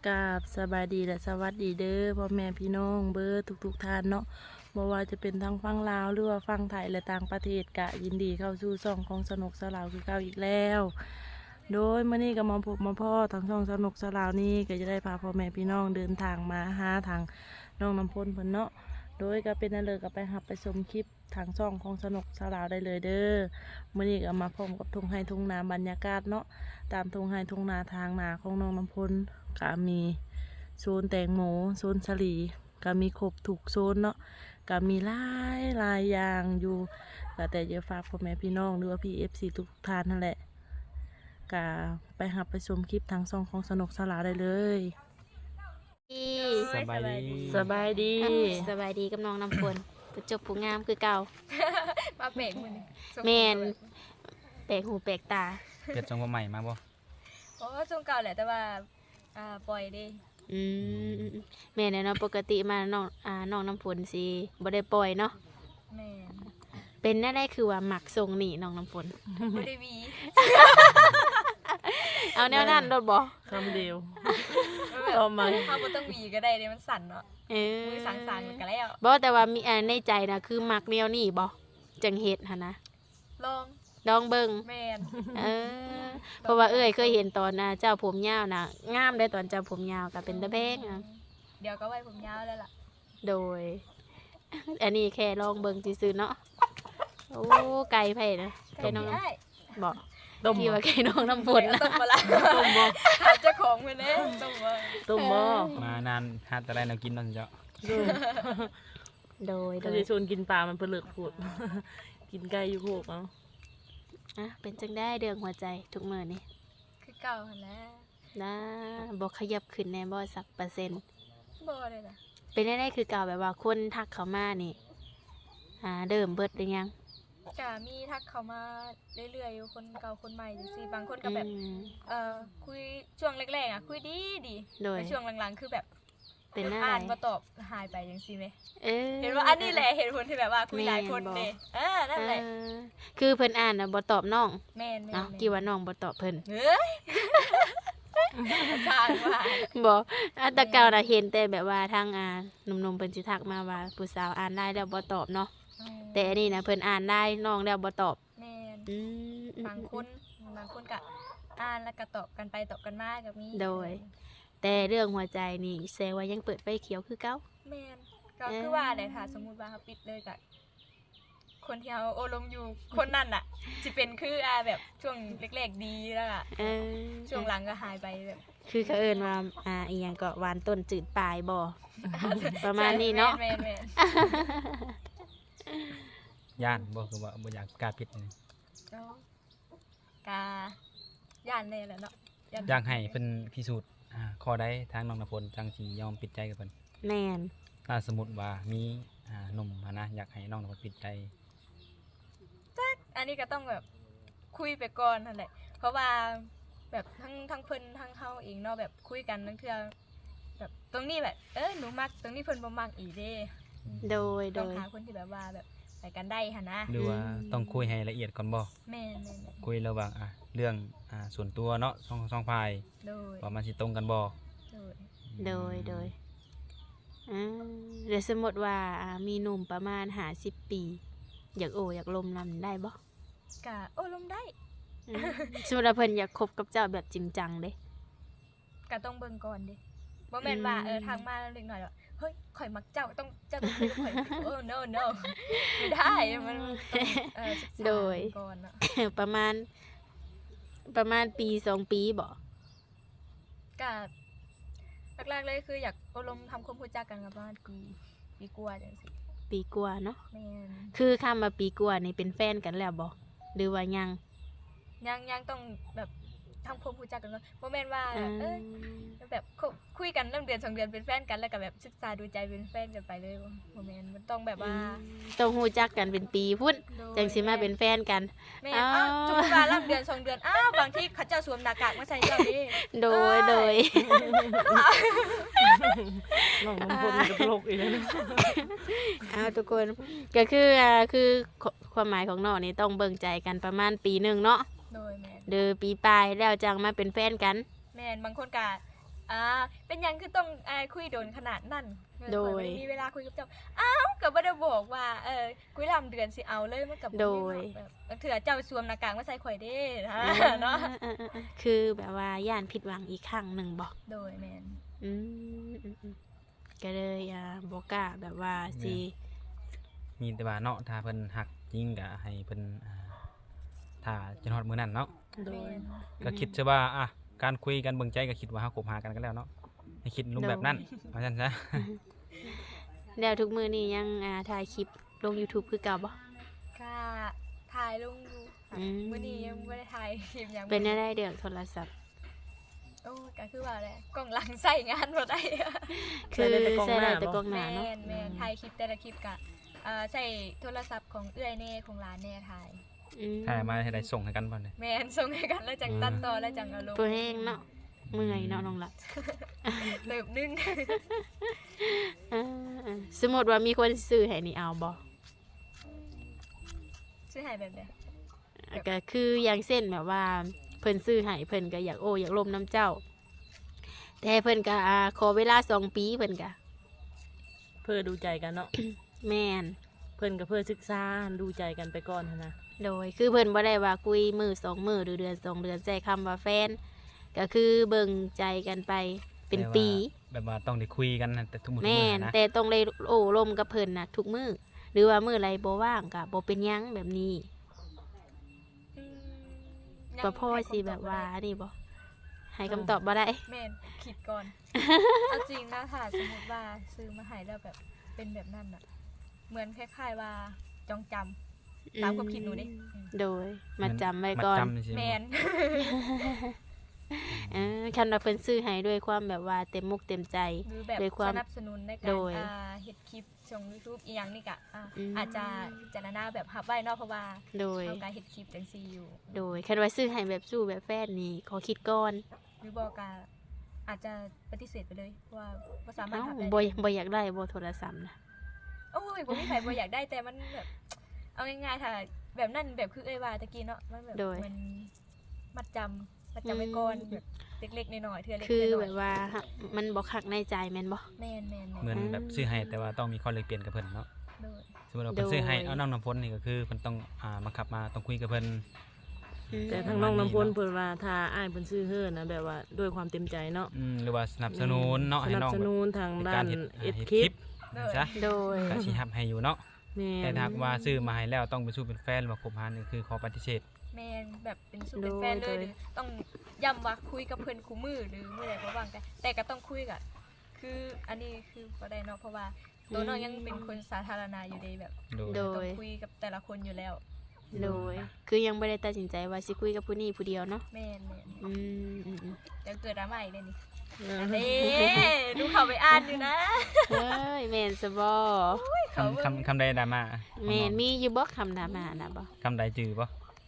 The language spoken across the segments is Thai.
กราบสบายดีและสวัสดีเด้อพ่อแม่พี่น้องเบอร์ทุกท่านเนาะบ่ว่าจะเป็นทั้งฝั่งลาวหรือว่าฝั่งไทยและต่างประเทศกะยินดีเข้าสู่ช่องของสนุกสลาวคือเก่าอีกแล้วโดยเมื่อนี้ก็มาพบมาพ่อทางช่องสนุกสลาวนี้ก็จะได้พาพ่อแม่พี่น้องเดินทางมาหาทางน้องน้ำพลเพิ่นเนาะโดยก็เป็นนั่นเลยก็ไปหับไปชมคลิปทางช่องของสนุกสลาวได้เลยเด้อเมื่อนี้ก็มาพร้อมกับทุ่งไร่ทุ่งนาบรรยากาศเนาะตามทุ่งไร่ทุ่งนาทางนาของน้องน้ำพลก็มีโซนแตงโมโซนสลีก็มีครบถูกโซนเนาะก็มีหลายอย่างอยู่ก็แต่จะฝากพ่อแม่พี่น้องหรือว่าพี่FCทุกท่านนั่นแหละก็ไปหับไปชมคลิปทางช่องของสนุกสลาวได้เลยสบายดีสบายดีสบายดีกับน้องน้ำฝนผู้จบผู้งามคือเก่ามาเบรกมือนี่แมนแปลกหูแปลกตาเปลี่ยนทรงผมใหม่มาบ่โอ้ช่วงเก่าแหละแต่ว่าปล่อยดิอืมแม่เนี่ยเนาะปกติมาน้องน้ำฝนสิบ่ได้ปล่อยเนาะแม่นเป็นแน่ๆคือว่าหมักทรงนี่น้องน้ำฝนบ่ได้วีเอาแนวนั้นโดดบ่คำเดียวแบบต่อมาเขาบ่ต้องวีก็ได้เลยมันสั่นเนาะเออมือสั่นๆกันแล้วบ่แต่ว่ามีในใจนะคือหมักแนวนี้บ่จังเฮ็ดหั่นนะลองลองเบิ่งแม่นเออเพราะว่าเอ้ยเคยเห็นตอนเจ้าผมยาวน่ะงามได้ตอนเจ้าผมยาวก็เป็นตะแบงอะเดี๋ยวก็ไว้ผมยาวแล้วล่ะโดย อันนี้แค่ลองเบิ่งซื่อๆเนาะ โอ้ไก่ไผ่นะไก่น้องได้บอกต้มที่ว่าไก่น้องน้ำฝนต้นะมบ่ล่ะต้มบ่ถามเจ้าของเพิ่นเด้ต้มบ่ต้มบ่มานานหาแต่ได้แนวกินเนาะเจ้าโดยถ้าจะชวนกินปลามันเปลือกพูด กินไก่อยู่โคกเอาอ่ะเป็นจังได้เดืองหัวใจทุกมื้อนี่คือเก่าหั่นแหละนะบอกขยับขึ้นแน่บ่สักเปอร์เซ็นต์บ่เลยล่ะเป็นได้คือเก่าแบบว่าคนทักเขามานี่เดิมเบิดหรือยังก็มีทักเข้ามาเรื่อยๆอยู่คนเก่าคนใหม่จังซี่บางคนก็แบบอืมคุยช่วงแรกๆคุยดีโดยแต่ช่วงหลังๆคือแบบเป็นหน้าอ่านไหนบ่ตอบหายไปจังซี่แหมเออเห็นว่าอันนี้แหละเหตุผลที่แบบว่าคุยหลายคนแม่นบ่เด้นั่นแหละคือเพิ่นอ่านน่ะบ่ตอบน้องแม่นเอ้ากี่ว่าน้องบ่ตอบเพิ่นเฮ้ยสร้างว่าบอกแตะเก่าน่ะเห็นแต่แบบว่าทางหนุ่มๆเพิ่นสิทักมาว่าผู้สาวอ่านได้แล้วบ่ตอบเนาะแต่อันนี้นะเพิ่นอ่านได้น้องแล้วบ่ตอบแม่นอืมบางคนก็อ่านแล้วก็ตอบกันไปตอบกันมาก็มีโดย แต่เรื่องหัวใจนี่แสดงว่ายังเปิดไฟเขียวคือเก่าแม่นก็คือว่าได้ถ้าสมมุติว่าเขาปิดเลยก็คนที่เขาโอลมอยู่คนนั้นน่ะสิเป็นคือแบบช่วงแรกๆดีแล้วก็เออช่วงหลังก็หายไปแบบคือเขาเอิ้นว่าอีหยังก็หวานต้นจืดปลายบ่ ประมาณนี้เนาะแม่นย่านบ่คือว่าบ่อยากกล้าผิดนี่ๆเนาะกาย่านแน่แหละเนาะอยากให้เพิ่นพิสูจน์ข้อใดทางน้องณพลจังสิยอมปิดใจกับเพิ่นแม่นถ้าสมมุติว่ามีหนุ่มนะอยากให้น้องณพลปิดใจอันนี้ก็ต้องแบบคุยไปก่อนนั่นแหละ เพราะว่าแบบทั้งเพิ่นทั้งเฮาเองเนาะแบบคุยกันทั้งเทื่อแบบตรงนี้แบบหนูมักตรงนี้เพิ่นบ่มักอีเด้โดยต้องหาคนที่แบบว่าแบบไปกันได้หั่นนะหรือว่าต้องคุยให้ละเอียดก่อนบ่แม่นคุยระหว่างเรื่องส่วนตัวเนาะสองฝ่ายโดยว่ามันสิตรงกันบ่โดยโดยเดี๋ยวสมมติว่ามีหนุ่มประมาณ50 ปี อยากโออยากลมนำได้บ่กะโอ้ลมได้อืมสมมติว่าเพิ่นอยากคบกับเจ้าแบบจริงจังเด้กะต้องเบิ่งก่อนเด้บ่แม่นว่าทางมาเล็กน้อยว่าเฮ้ยข่อยมักเจ้าเจ้าต้องคุยกับข่อยโอ้ no ไม่ได้มันต้องศึกษาก่อนเนาะประมาณปี2 ปีบ่กะแรกๆเลยคืออยากอบรมทำความรู้จักกันกับประมาณปีกว่าจังซี่ปีกว่าเนาะแม่นคือคำว่าปีกว่านี่เป็นแฟนกันแล้วบ่หรือว่ายังยังต้องแบบทำความรู้จักกันก่อนบ่แม่นว่าอ่าแบบคุยกันเริ่มเดือน2 เดือนเป็นแฟนกันแล้วก็แบบศึกษาดูใจเป็นแฟนกันไปเลยบ่แม่นมันต้องแบบว่าต้องฮู้จักกันเป็นปีพุ่นจังสิมาเป็นแฟนกันแม่นอ้าวจุกว่ารับเดือน2 เดือนบางทีเขาเจ้าสวมหน้ากากมาใส่เจ้าดิโดยน้องน้ำพลกับโลกอีกแล้วเนาะทุกคนก็คือความหมายของน้องนี่ต้องเบิ่งใจกันประมาณปีหนึงเนาะโดยแม่นเดือปีปลายแล้วจังมาเป็นแฟนกันแม่นบางคนก็เป็นหยังคือต้องคุยโดนขนาดนั้นโดยข่อบ่มีเวลาคุยกับเจ้าอ้าวก็บ่ได้บอกว่าคุยลำเดือนสิเอาเลยมันก็บ่โดยแบบเถื่อเจ้าสวมหน้ากากมาใส่ข่อยเด้เนาะคือแบบว่าย่านผิดหวังอีกครั้งหนึ่งบอกโดยแม่นก็เลยบ่กล้าแบบว่าสิมีแต่ว่าเนาะถ้าเพิ่นหักจริงก็ให้เพิ่นถ้าจนฮอดมื้อนั้นเนาะโดยแม่นก็คิดซะว่าการคุยกันเบิ่งใจก็คิดว่าเฮาคบหากันแล้วเนาะให้คิดรูปแบบนั้นว่าซั่นซะแล้วทุกมื้อนี้ยังถ่ายคลิปลง YouTube คือเก่าบ่ค่ะถ่ายลงอยู่ค่ะอืมมื้อนี้ยังบ่ได้ถ่ายคลิปหยังเป็นได้เดืองโทรศัพท์โอ้ก็คือว่าแหละกล้องหลังใส่งานบ่ได้คือใส่ได้แต่กล้องใส่หได้น้าแต่บ่กล้องหน้าแม่เนาะนแม่นถ่ายคลิปแต่ละคลิปก็ใช้โทรศัพท์ของเอื้อยแน่ของหลานแน่ถ่ายถ่ายมาให้ได้ส่งให้กันบ่เนี่ยแม่นส่งให้กันแล้วจังตัดต่อแล้วจังเอาลงตัวเองเนาะเมื่อยเนาะน้องหลับเติบนึงสมมติว่ามีคนซื้อให้นี่เอาบ่ชื่อหายแบบใดก็คืออย่างเส้นแบบว่าเพิ่นซื้อให้เพิ่นก็อยากอยากลมน้ำเจ้า แต่เพิ่นก็ขอเวลา2 ปีเพิ่นก็เพื่อดูใจกันเนาะแม่นเพิ่นก็เพื่อศึกษาดูใจกันไปก่อนหั้นนะโดยคือเพิ่นบ่ได้ว่าคุยมือ2 มื้อหรือเดือน2 เดือนใช้คำว่าแฟน ก็คือเบิ่งใจกันไปเป็นปีแบบว่าต้องได้คุยกันนะแต่ทุกมื้อแม่นนะแต่ต้องเลยโอ้ลมกับเพิ่นน่ะทุกมื้อหรือว่ามื้อไรบ่ว่างก็บ่เป็นหยังแบบนี้อืมก็พ่อสิแบบว่านี่บ่ให้คำตอบบ่ได้แม่นคิดก่อน เอาจริงนะถ้าสมมติว่าซื้อมาให้แล้วแบบเป็นแบบนั้นน่ะ เหมือนคล้ายๆว่าจองจำตามความคิดหนูดิโดยมาจำไว้ก่อนมัดจำสิแมนคันว่าเพิ่นซื้อให้ด้วยความแบบว่าเต็มมุกเต็มใจหรือแบบโดยความสนับสนุนในกาโดรยเฮ็ดคลิปช่อง YouTube อีหยังนี่ก็อืมอาจจะพิจารณาแบบรับไว้เนาะเพราะว่าโดยเฮาก็เฮ็ดคลิปจังซี่อยู่โดยคันว่าซื้อให้แบบสู้แบบแฟนนี่ขอคิดก่อนหรือบ่ก็อาจจะปฏิเสธไปเลยเพราะว่าบ่สามารถเอ้ารับได้บ่อยากได้บ่โทรศัพท์นะโอ้ยบ่มีใครบ่อยากได้แต่มันแบบเอาง่ายๆถ้าแบบนั้นแบบคือเอ้ยว่าตะกี้เนาะมันแบบมันมัดจำไว้ก่อนแบบเล็กๆน้อยๆเทื่อเล็กคือน้แบอยบว่ามันบ่คักในใจแม่นบ่ๆแม่นๆเหมือนแบบซื้อให้แต่ว่าต้องมีข้อแลกเปลี่ยนกับเพิ่นเนาะโดยสมมุติว่าเพิ่นซื้อให้เอาน้องน้ำฝนนี่ก็คือเพิ่นต้องบังคับมาต้องคุยกับเพิ่นแต่ทางน้องน้ำพลเพิ่นว่าถ้าอ้ายเพิ่นซื้อเฮือนะแบบว่าด้วยความเต็มใจเนาะหรือว่าสนับสนุนเนาะสให้นับน้องสแบบนุนทางในด้าการนเฮ็ดเอ็ดเฮ็ดคคลิลิปปซะโดยก็สิรับให้อยู่เนาะแม่แต่ถ้าหากว่าซื้อมาให้แล้วต้องไปสู้เป็นแฟนหรือว่าคบหานี่คือขอปฏิเสธแม่นแบบเป็นสุดเป็นแฟนเลยหรือต้องย้ำว่าคุยกับเพิ่นคู่มือหรือมื้อใดบ่ว่างกันแต่ก็ต้องคุยกับคืออันนี้คือบ่ได้เนาะเพราะว่าตัวน้องยังเป็นคนสาธารณะอยู่เด้แบบโดยโดต้องยคุยกับแต่ละคนอยู่แล้วโดย คือยังบ่ได้ตัดสินใจว่าสิคุยกับผู้นี้ผู้เดียวเนาะแม่นอืมเดี๋ยวเกิดดราม่าอีกเลยนี่เออเด้ดูเขาไปอ่านอยู่นะเฮ้ยแม่นซะบ่คำใดดราม่าแม่นมีอยู่บ่คำดราม่านะบ่คำใดจือบ่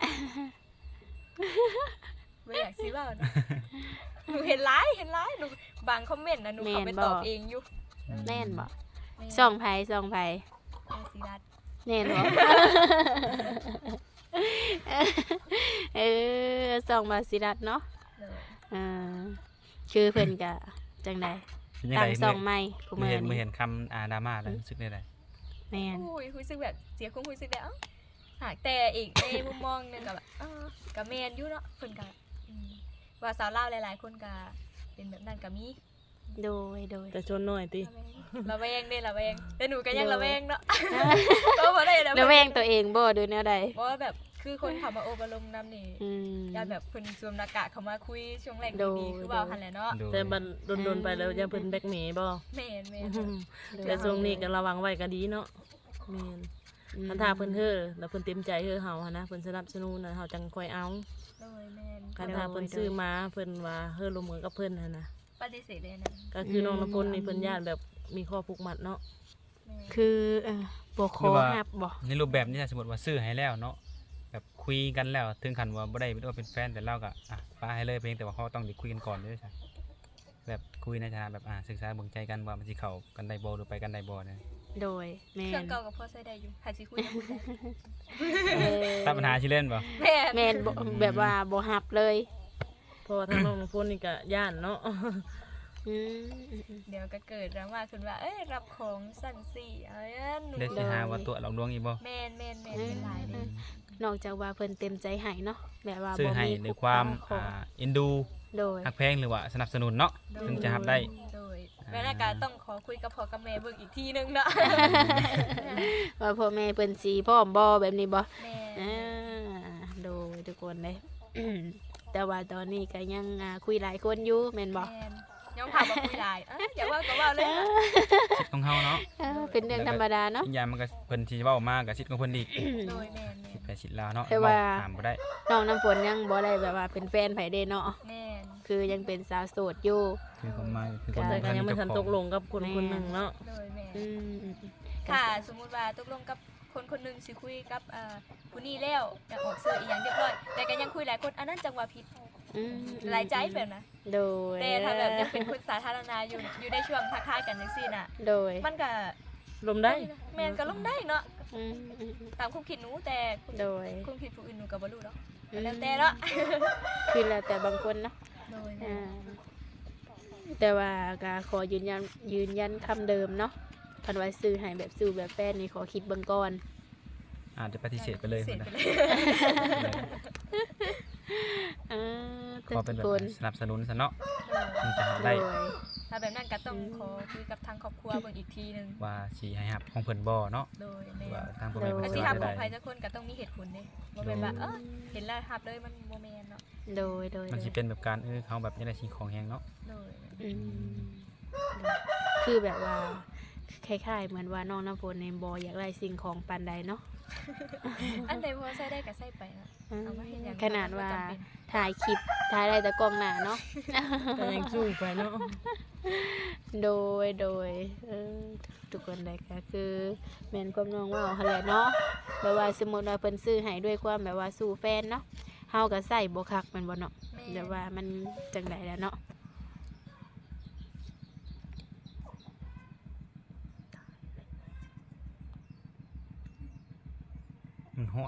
ไม่อยากซีว่านะหนูเห็นไลฟ์หนูบางคอมเมนต์นะหนูเขาไปตอบเองอยู่แม่นบ่แม่นส่องไผแม่ซีรัตแน่นบ่ เออส่องมาสิรัตเนาะเลยอ่าคือเพิ่นก็จังไดเป็นยังตั้ไงงส่องใหม่กูเมื่มื้ออเห็นนี้คำดราม่าแล้วรู้สึกได้ไดแม่นอุ้ยรู้สึกแบบเสียความรู้สึกแล้วหากแต่อีกในมุมมองหนึงกับแบบกับแมนอยู่เนาะคนกับว่าสาวเล่าวหลายๆคนกับเป็นแบบนั้นกับมีโดยแต่ชนหน่อยติระแวงเด้ระแวงแต่หนูก็ยังระแวงเนาะก็บ่ได้แล้วแวงตัวเองบ่ดูแนวใดเพราะว่าแบบคือคนเขามาโอบรมนำนี่อืมยานแบบเพิ่นสวมหน้ากากเขามาคุยช่วงแรกโดดีๆคือว่าหันแหละเนาะโดยแต่บัดโดนๆไปแล้วจะเพิ่นแบล็กเมย์บ่แม่นแต่ช่วงนี้ก็ระวังไว้ก็ดีเนาะแม่น คันถ้าเพิ่นเฮ้อแล้วเพิ่นเต็มใจเฮ้อเฮาหั้นนะเพิ่นสนับสนุนน่ะเฮาจังค่อยเอาโดยแม่นคันถ้าเพิ่นซื้อมาเพิ่นว่าเฮ้อลงมือกับเพิ่นหั่นนะปฏิเสธเลยนะก็คือน้องน้ำพลนี่เพิ่นญาติแบบมีข้อผูกมัดเนาะแม่นคือบ่ขอฮับบ่ในรูปแบบนี้ถ้าสมมติว่าซื้อให้แล้วเนาะแบบคุยกันแล้วถึงขั้นว่าบ่ได้ว่าเป็นแฟนแต่เราก็ป้าให้เลยเพียงแต่ว่าเขาต้องได้คุยกันก่อนด้วยใช่แบบคุยในฐานะแบบศึกษาเบิ่งใจกันว่ามันสิเข้ากันได้บ่หรือไปกันได้บ่เนี่ยโดยแม่เครื่องนเก่ากับพ่อใช้ได้อยู่หาสิคุยกับคุณได้ตัดปัญหาสิเล่นบ่แม่นแม่นบ่แบบว่าบ่ฮับเลยเพราะว่าทางน้องน้ำพลนี่ก็ย่านเนาะอืมเดี๋ยวก็เกิดดราม่าขึ้นว่าเอ้ยรับของสั่นสี่อะไรนั่นหนูได้สิหาว่าตัวหลอกลวงอีกบ่แม่นเป็นหลายเด้นอกจากว่าเพิ่นเต็มใจให้เนาะแบบว่าซื้อบ่ให้มีด้วยความของเอ็นดูโดยฮักแพงหรือว่าสนับสนุนเนาะถึงจะรับได้โดยแล้วนาการต้องขอคุยกับพ่อกับแม่เบิ่งอีกทีนึงเนาะว่าพ่อแม่เพิ่นสิพร้อมบ่แบบนี้บ่แม่อ่าโดยทุกคนเลย แต่ว่าตอนนี้ก็ยังคุยหลายคนอยู่แม่นบ่แม่ย้อมถามว่าคุยหลายอย่าว่าก็ว่าเลยสิทธิ์ของเฮาเนาะเป็นเรื่องธรรมดาเนาะอีกอย่างมันก็เพิ่นสิเว้ามาก็สิทธิ์ของเพิ่นอีกโดยแม่สิทธิ์ไปสิทธิ์ลาวเนาะแต่ว่าห้ามบ่ได้น้องน้ำฝนยังบ่ได้แบบว่าเป็นแฟนไผเด้เนาะแม่คือยังเป็นสาวโสดอยู่คือความหมายคือก็คนแต่ก็ยังไม่ทันตกลงกับคนคนหนึ่งเนาะโดยแม่อืมค่ะสมมุติว่าตกลงกับคนคนนึงสิคุยกับผู้นี้แล้วอยากออกเสื้ออีหยังเรียบร้อยแต่ก็ยังคุยหลายคนอันนั้นจังหวะผิดอืมหลายใจแบบนะโดยแต่ถ้าแบบยังเป็นคนสาธารณะอยู่ในช่วงทักทายกันจังซี่น่ะโดยมันก็ลมได้แม่นก็ลงได้เนาะอืมตามความคิดหนูแต่โดยความคิดผู้อื่นหนูก็บ่รู้เนาะแล้วแต่เนาะคือแล้วแต่บางคนเนาะโดยอ่าแต่ว่าก็ขอยืนยันคำเดิมเนาะคันว่าซื้อให้แบบซื้อแบบแฟนนี่ขอคิดเบิ่งก่อนอาจจะปฏิเสธไปเลยเสร็จนะไปเลยอ่าขอเป็นแบบทุกคนสนับสนุนซะเนาะถึงจะรับได้โดยถ้าแบบนั้นก็ต้องขอคุยกับทางครอบครัวเบิ่งอีกทีนึงว่าสิให้รับของเพิ่นบ่เนาะโดยแม่ว่าทางพ่อแม่แต่เพิ่นสิสิทำว่าขได้องใครสักคนก็ต้องมีเหตุผลเด้บ่แม่นว่าเห็นแล้วทับเลยมันบ่แม่นเนาะโดยโดยมันสิเป็นแบบการเขาแบบยังได้สิ่งของแฮงเนาะโดยอืมคือแบบว่าคล้ายๆเหมือนว่าน้องน้ำฝนในบอยากได้สิ่งของปานใดเนาะอันใดพอใช้ได้ก็ใช้ไปนะอืมเอามาเฮ็ดหยังขนาดว่าจำเป็นถ่ายคลิปถ่ายได้แต่กล้องหน้าเนาะแต่ยังสู้ไปเนาะโดยทุกคนเลยก็คือแม่นความน้องว่าหั่นแหละเนาะแบบว่าสมมุติว่าเพิ่นซื้อให้ด้วยความแบบว่าสู่แฟนเนาะเฮาก็ใส่บ่คักแม่นบ่เนาะแม่แบบว่ามันจังไดแล้วเนาะมันฮอด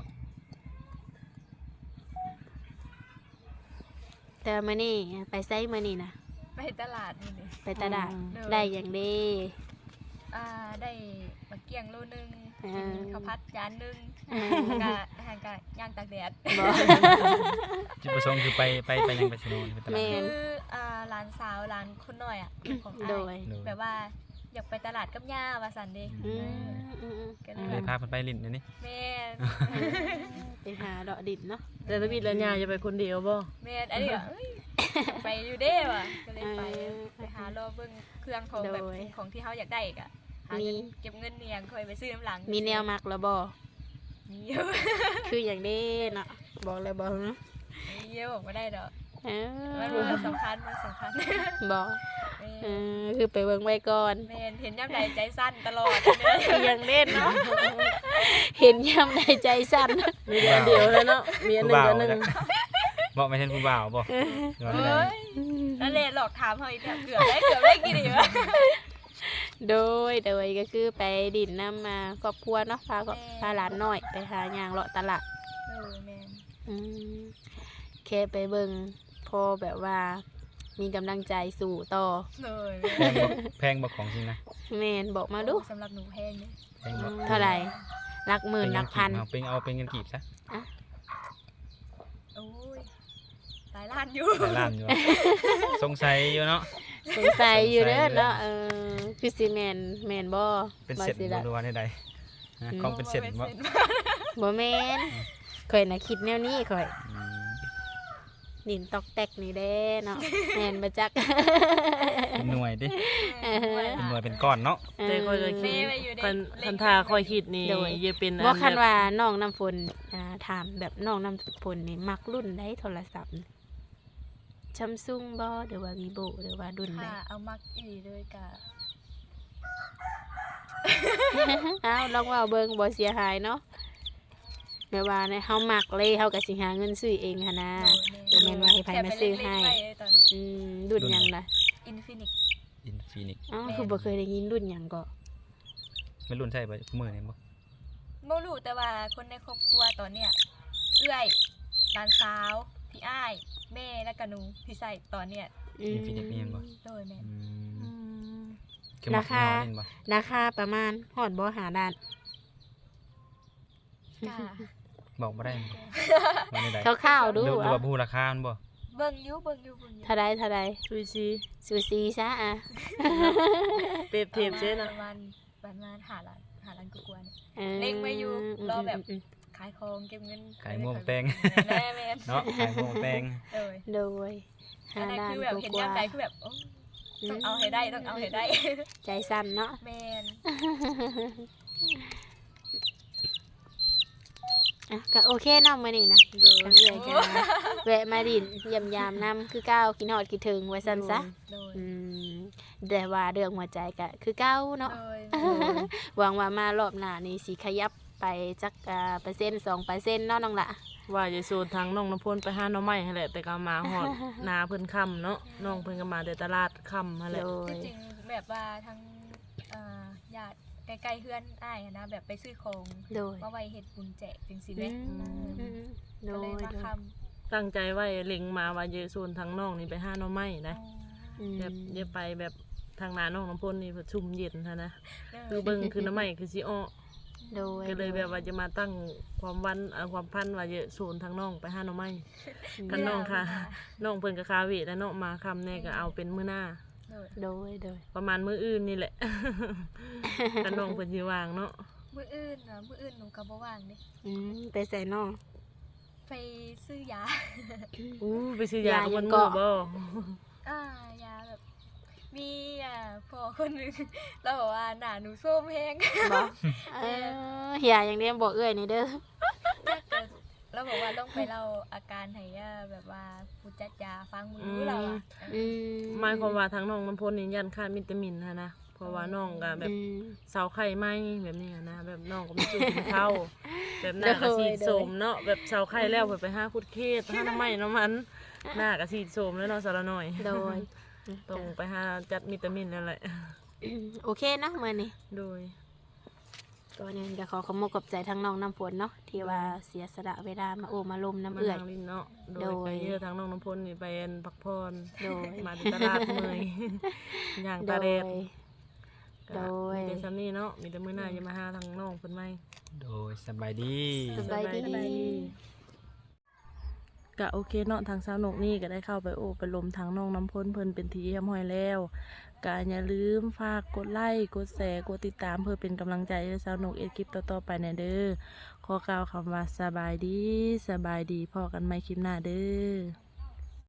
แต่มื้อนี้ไปไสมื้อนี้นะไปตลาดนี่นี่ไปตลาดเด้อได้หยังเด้ได้มะเกียงโลนึงอ่ากินข้าวผัดจานนึงอ่าแล้วก็อาหารก็ย่างตากแดดบ่จุดประสงค์คือไปยังไปสนุนไปตลาแม่ดนคือร้านสาวร้านคนน้อยอ่ะของโดอ้ายยแบบว่าอยากไปตลาดกับย่าว่าซั่นเด้อืมอืมก็เลอืยมเลยพาเพิ่นไปลิ้นเดี๋ยวนี้แม่นไปหาดอกดิบเนาะแต่ทวิตแล้วยาจะไปคนเดียวบ่แม่นอันนี้ก็เอ้ยไปอยู่เด้ว่ะก็เลยไปหารอเบิ่งเครื่องของแบบของที่เฮาอยากได้อีกอ่ะหาเงินเก็บเงินเนียงค่อยไปซื้อน้ำหลังมีแนวมักแล้วบ่มีเยอะคืออย่างนี้เนาะบอกเลยบอกเนาะมีเยอะบอกไม่ได้ดอกเอมันสำคัญมันสำคัญบอกแม่คือไปเบิ่งไว้ก่อนแม่นเห็นย่ำใดใจสั้นตลอดเนี่ยอย่างเล่นเนาะเห็นยำในใจสั่นมีอันเดียวแล้วเนาะมีอันหนึ่งอันหนึ่งบอกไม่ใช่ผู้บ่าวบ่หรือว่าอะไรเฮ้ยนั่นแหละหลอกถามเฮาอีกแล้วเกือบได้กี่ดีวะโดยก็คือไปดินน้ำมาครอบครัวเนาะพาหลานน้อยไปหาย่างเลาะตลาดแม่นอืมแค่ไปเบิ่งพอแบบว่ามีกำลังใจสู่ต่อเลยแพงบ่ของจริงนะแมนบอกมาดูสำหรับหนูแพงเนี่ยแพงบ่เท่าไหร่หลักหมื่นหลักพันเอาเป็นเงินกีบซะโอ้ยหลายล้านอยู่หลายล้านอยู่สงสัยอยู่เนาะสงสัยอยู่เด้อเนาะคือสิแมนบ่เป็นเสร็จสิบ่ละรู้ว่าได้ใดของเป็นเสร็จบ่บ่แมนข่อยน่ะคิดแนวนี้ข่อยอืมดินตอกแตกนี่เด้เนาะแมนบ่จักเป็นหน่วยดิเป็นหน่วยเป็นก้อนเนาะแต่คอยก็คิดคันทาคอยคิดนี่จะเป็นบ่คันว่าน้องน้ำฝนถามแบบน้องน้ำฝนนี่มักรุ่นใดโทรศัพท์ซัมซุงบ่หรือว่า Vivo หรือว่ารุ่นใดค่ะเอามักอีเลยกะอ้าวลองว่าเบิ่งบ่เสียหายเนาะแม่ว่าเนี่ยเฮามักเลยเฮาก็สิหาเงินซื้อเองหั่นนะ บ่แม่นว่าให้ไผมาซื้อให้ รุ่นหยังล่ะอินฟินิกอินฟินิกอ๋อคือบ่เคยได้ยินรุ่นหยังก็ไม่รุ่นใช่บ่มื้อนี้บ่บ่รู้แต่ว่าคนในครอบครัวตอนเนี้ยเอื้อยหลานสาวพี่อ้ายแม่และก็หนูพี่ใส่ตอนเนี้ยอินฟินิตนี่เห็นบ่โดยแม่นคือมักราคายี่ห้อนี่เห็นบ่ราคาประมาณฮอดบ่หาด้านกะบอกบ่ได้ว่าได้คร่าวๆดูดูอ่ะว่าผู้ราคามันบ่เบิ่งอยู่เบิ่งอยู่เท่าใดซุยซีซูซีซะอ่ะเปรียบเทียบเช่นปนะระมาณหาล้านกว่าๆเนี่ยออเล็งไว้อยู่รอแบบมขายของเก็บเงินขายม่วงแตงแม่แม่นเนาะขายม่วงแตงโดยโดยอัหานนั้นด้านคือแบบเห็นกยามว่าใดคือแบบโอ้ต้องเอาให้ได้ต้องเอาให้ได้ใจสั่นเนาะแม่นอ่ะก็โอเคเนาะมื้อนี้นะโดยทั้งเอื้อยกันนะแวะมาดินเยี่ยมยามนำคือเก้าคิดฮอดคิดถึงไว้ซั่นซะโดยอืมแต่ว่าเรื่องหัวใจก็คือเก้าเนาะโดยหวังว่ามารอบหน้านี่สิขยับไปจักเปอร์เซ็นต์2%เนาะน้องละว่าจะโซนทางน้องน้ำพลไปหาหน่อไม้หั่นแหละแต่ก็มาฮอด นาเพิ่นค่ำเนาะน้องเพิ่นก็มาแต่ตลาดค่ำหั่นแหละโดยที่จริงแบบว่าทั้งญาติใกล้ๆเพื่อนอ้ายอะนะแบบไปซื้อของโดยมาไว้เฮ็ดบุญแจกจังซี่อืแม่มโดก็เลยยมาโดยคำตั้งใจไว้เล็งมาว่าจะโซนทางน้องนี่ไปหาหน่อไม้นะ แบบอย่าไปแบบทางนาน้องน้ำพลนี่ชุ่มเย็นฮะนะคือเบิ่งคือน้ำไม้คือสิอ้อโดยก็เลยแบบว่าจะมาตั้งความวันความพันว่าจะโซนทางน้องไปหาหน่อไม้ คันน้องค่ะ น้องเพิ่นก็คาเวทแล้วเนาะมาคำแน่ก็เอาเป็นมื้อหน้าโดยโดยประมาณมื้ออื่นนี่แหละ คันน้องเพิ่นสิวางเนาะมื้ออื่นหนูก็บ่ว่างเด้ไปใส่น้องไปซื้อยาอู้ไปซื้อยายาทุกวันยังมื้อเกาะบ่ยาแบบมีพอคนหนึงเราบอกว่าหน้าหนูส้มแฮงบ่เฮียอย่างเดียวบอกเอ้ยนี่เด้อเราบอกว่าต้องไปเล่าอาการให้แบบว่าผู้จัดยาฟังมือเราอะอืมหมายความว่าทางน้องน้ำพลนี่ยันขาดวิตามินฮะนะเพราะว่าน้องก็แบบเสาไข่ไหมแบบนี้อะนะแบบน้องก็ไม่สู้กินข้าวแบบหน้าก็สีดโสมเนาะแบบเสาไข่แล้วไปหาคุดเทศหาน้ำไม้น้ำมันหน้าก็สีดโสมแล้วเนาะสารหน่อยโดยต้องไปหาจัดวิตามินแล้วแหละโอเคเนาะมื้อนี้โดยก่อนอื่นก็ขอขอบคุณขอบใจทั้งน้องน้ำฝนเนาะที่ว่าเสียสละเวลามาโอมาลมน้ำมาเอื้อยทางลิ้นเนาะโดโดยยไปเยอะทางน้องน้ำพลนี่ไปพักผ่อนโดยมาที่ตลาดเมย ย่างโดตาแดดย โดยมีแต่ซ้ำนี่เนาะมีแต่มื้อหน้าจะมาหาทางน้องเพิ่นไหมโดยสบายดีสบายดีก็โอเคเนาะทางสาวนกนี่ก็ได้เข้าไปโอบไปลมทางน้องน้ำพ้นเพิ่นเป็นทีเยี่ยมห้อยแล้วก็อย่าลืมฝากกดไลค์กดแชร์กดติดตามเพื่อเป็นกำลังใจให้สาวนกเอ็ดคลิปต่อๆไปในเด้อขอกล่าวคำว่าสบายดีพอกันใหม่คลิปหน้าเด้อ